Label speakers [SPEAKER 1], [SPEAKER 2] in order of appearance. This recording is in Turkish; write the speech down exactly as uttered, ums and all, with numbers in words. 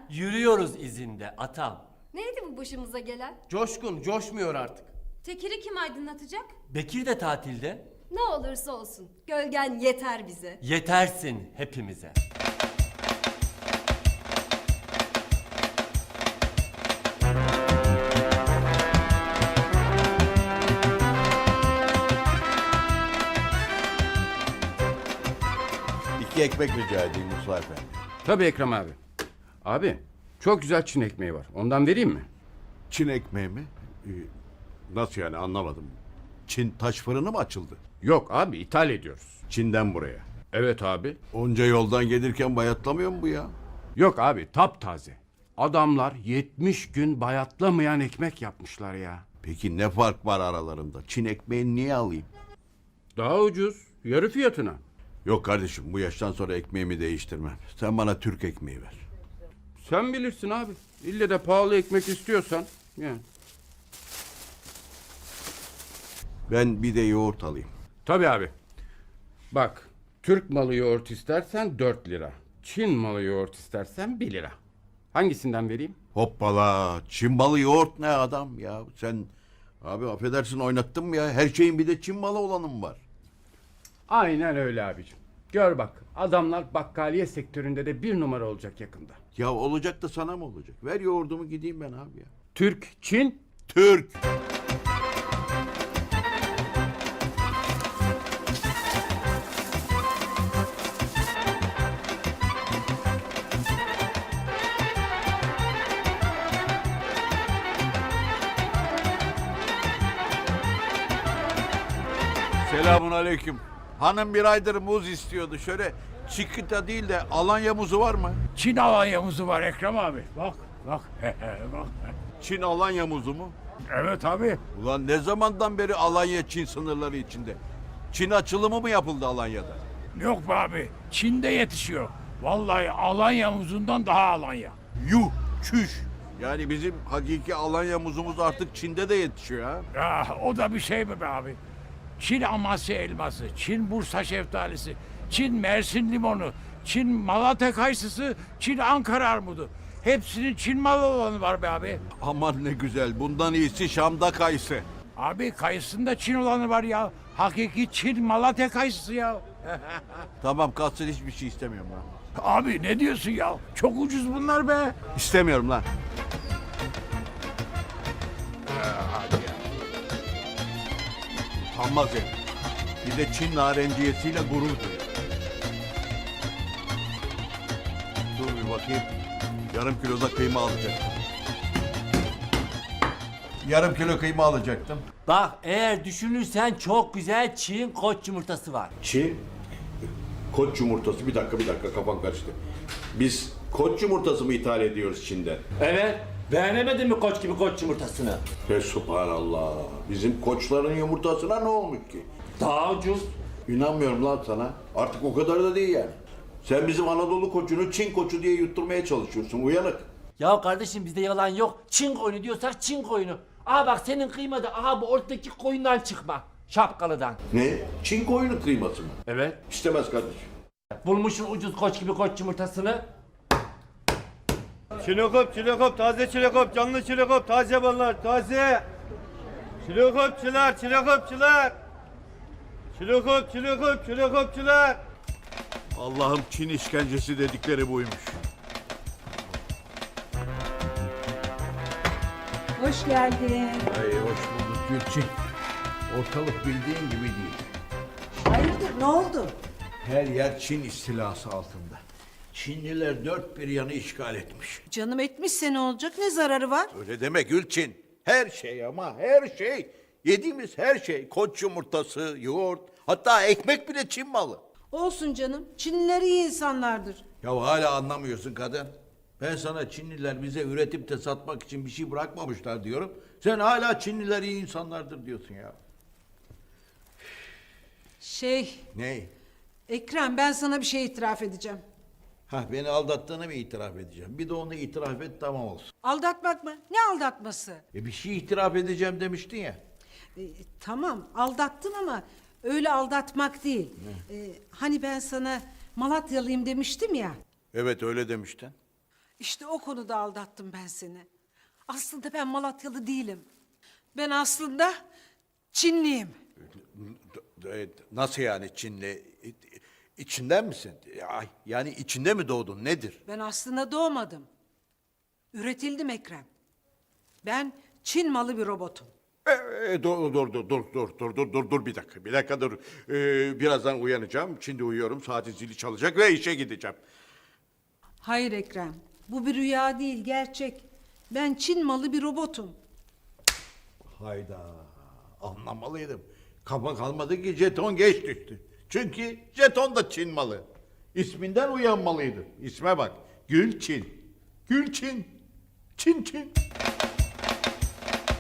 [SPEAKER 1] Yürüyoruz izinde atam.
[SPEAKER 2] Neydi bu başımıza gelen?
[SPEAKER 3] Coşkun, coşmuyor artık.
[SPEAKER 2] Tekiri kim aydınlatacak?
[SPEAKER 1] Bekir de tatilde.
[SPEAKER 2] Ne olursa olsun. Gölgen yeter bize.
[SPEAKER 1] Yetersin hepimize.
[SPEAKER 4] İki ekmek rica edeyim Musa Efendi.
[SPEAKER 5] Tabii Ekrem abi. Abi çok güzel Çin ekmeği var. Ondan vereyim mi?
[SPEAKER 4] Çin ekmeği mi? Ee, nasıl yani anlamadım. Çin taş fırını mı açıldı?
[SPEAKER 5] Yok abi, ithal ediyoruz.
[SPEAKER 4] Çin'den buraya.
[SPEAKER 5] Evet abi.
[SPEAKER 4] Onca yoldan gelirken bayatlamıyor mu bu ya?
[SPEAKER 5] Yok abi, taptaze. Adamlar yetmiş gün bayatlamayan ekmek yapmışlar ya.
[SPEAKER 4] Peki ne fark var aralarında? Çin ekmeğini niye alayım?
[SPEAKER 5] Daha ucuz. Yarı fiyatına.
[SPEAKER 4] Yok kardeşim bu yaştan sonra ekmeğimi değiştirmem. Sen bana Türk ekmeği ver.
[SPEAKER 5] Sen bilirsin abi. İlle de pahalı ekmek istiyorsan. Yani.
[SPEAKER 4] Ben bir de yoğurt alayım.
[SPEAKER 5] Tabii abi. Bak, Türk malı yoğurt istersen dört lira. Çin malı yoğurt istersen bir lira. Hangisinden vereyim?
[SPEAKER 4] Hoppala. Çin balı yoğurt ne adam ya? Sen abi affedersin oynattın mı ya? Her şeyin bir de Çin balı olanı mı var?
[SPEAKER 5] Aynen öyle abicim. Gör bak, adamlar bakkaliye sektöründe de bir numara olacak yakında.
[SPEAKER 4] Ya olacak da sana mı olacak? Ver yoğurdumu gideyim ben abi ya.
[SPEAKER 5] Türk, Çin.
[SPEAKER 4] Türk. Selamun aleyküm. Hanım bir aydır muz istiyordu. Şöyle çikita değil de Alanya muzu var mı?
[SPEAKER 6] Çin Alanya muzu var Ekrem abi. Bak, bak, bak.
[SPEAKER 4] Çin Alanya muzu mu?
[SPEAKER 6] Evet abi.
[SPEAKER 4] Ulan ne zamandan beri Alanya Çin sınırları içinde? Çin açılımı mı yapıldı Alanya'da?
[SPEAKER 6] Yok be abi. Çin'de yetişiyor. Vallahi Alanya muzundan daha Alanya.
[SPEAKER 4] Yuh, çüş. Yani bizim hakiki Alanya muzumuz artık Çin'de de yetişiyor ha.
[SPEAKER 6] Ya o da bir şey mi be abi? Çin Amasya elması, Çin Bursa şeftalisi, Çin Mersin limonu, Çin Malatya kayısısı, Çin Ankara armudu. Hepsinin Çin malı olanı var be abi.
[SPEAKER 4] Aman ne güzel. Bundan iyisi Şam'da kayısı.
[SPEAKER 6] Abi kayısında Çin olanı var ya. Hakiki Çin Malatya kayısısı ya.
[SPEAKER 4] Tamam kalsın hiçbir şey istemiyorum lan.
[SPEAKER 6] Abi ne diyorsun ya? Çok ucuz bunlar be.
[SPEAKER 4] İstemiyorum lan. Utanmaz herif. Bir de Çin narenciyesiyle gurur duyuyor. Dur bir bakayım. Yarım kilo da kıyma alacaktım. Yarım kilo kıyma alacaktım.
[SPEAKER 1] Bak eğer düşünürsen çok güzel Çin koç yumurtası var.
[SPEAKER 4] Çin koç yumurtası. Bir dakika bir dakika kafam karıştı. Biz koç yumurtası mı ithal ediyoruz Çin'den?
[SPEAKER 1] Evet. Beğenemedin mi koç gibi koç yumurtasını?
[SPEAKER 4] Ve subhanallah. Bizim koçların yumurtasına ne olmuş ki?
[SPEAKER 1] Daha ucuz.
[SPEAKER 4] İnanmıyorum lan sana. Artık o kadar da değil yani. Sen bizim Anadolu koçunu Çin koçu diye yutturmaya çalışıyorsun. Uyanık.
[SPEAKER 1] Ya kardeşim bizde yalan yok. Çin koyunu diyorsak Çin koyunu. Aha bak senin kıyma da aha bu ortadaki koyundan çıkma. Şapkalıdan.
[SPEAKER 4] Ne? Çin koyunu kıyması mı?
[SPEAKER 1] Evet.
[SPEAKER 4] İstemez kardeşim.
[SPEAKER 1] Bulmuşsun ucuz koç gibi koç yumurtasını.
[SPEAKER 7] Çilekop, çilekop, taze çilekop, canlı çilekop, taze ballar, taze. Çilekopçular, çilekopçular. Çilekop, çilekop, çilekopçular.
[SPEAKER 4] Allah'ım Çin işkencesi dedikleri buymuş.
[SPEAKER 8] Hoş geldin.
[SPEAKER 4] Ay hoş bulduk Gülçin. Ortalık bildiğin gibi değil.
[SPEAKER 8] Hayırdır, ne oldu?
[SPEAKER 4] Her yer Çin istilası altında. Çinliler dört bir yanı işgal etmiş.
[SPEAKER 8] Canım etmişse ne olacak, ne zararı var?
[SPEAKER 4] Öyle deme Gülçin. Her şey ama her şey. Yediğimiz her şey. Koç yumurtası, yoğurt, hatta ekmek bile Çin malı.
[SPEAKER 8] Olsun canım, Çinliler iyi insanlardır.
[SPEAKER 4] Ya hala anlamıyorsun kadın. Ben sana Çinliler bize üretip de satmak için bir şey bırakmamışlar diyorum. Sen hala Çinliler iyi insanlardır diyorsun ya.
[SPEAKER 8] Şey,
[SPEAKER 4] Ne?
[SPEAKER 8] Ekrem ben sana bir şey itiraf edeceğim.
[SPEAKER 4] Ha beni aldattığını mı itiraf edeceğim? Bir de onu itiraf et tamam olsun.
[SPEAKER 8] Aldatmak mı? Ne aldatması?
[SPEAKER 4] E bir şey itiraf edeceğim demiştin ya.
[SPEAKER 8] E, tamam, aldattın ama öyle aldatmak değil. E, hani ben sana Malatyalıyım demiştim ya.
[SPEAKER 4] Evet öyle demiştin.
[SPEAKER 8] İşte o konuda aldattım ben seni. Aslında ben Malatyalı değilim. Ben aslında Çinliyim.
[SPEAKER 4] E, Nasıl yani Çinli? İ- İçinden misin? Ay, yani içinde mi doğdun? Nedir?
[SPEAKER 8] Ben aslında doğmadım. Üretildim Ekrem. Ben Çin malı bir robotum.
[SPEAKER 4] E, e, dur, dur, dur, dur, dur, dur, dur, dur, dur bir dakika, bir dakika dur. Ee, birazdan uyanacağım. Şimdi uyuyorum, saatin zili çalacak ve işe gideceğim.
[SPEAKER 8] Hayır Ekrem, bu bir rüya değil, gerçek. Ben Çin malı bir robotum.
[SPEAKER 4] Hayda, anlamalıydım. Kafa kalmadı ki jeton geç düştü. Çünkü jeton da Çin malı. İsminden uyanmalıydı. İsme bak, Gülçin. Gülçin. Çin Çin.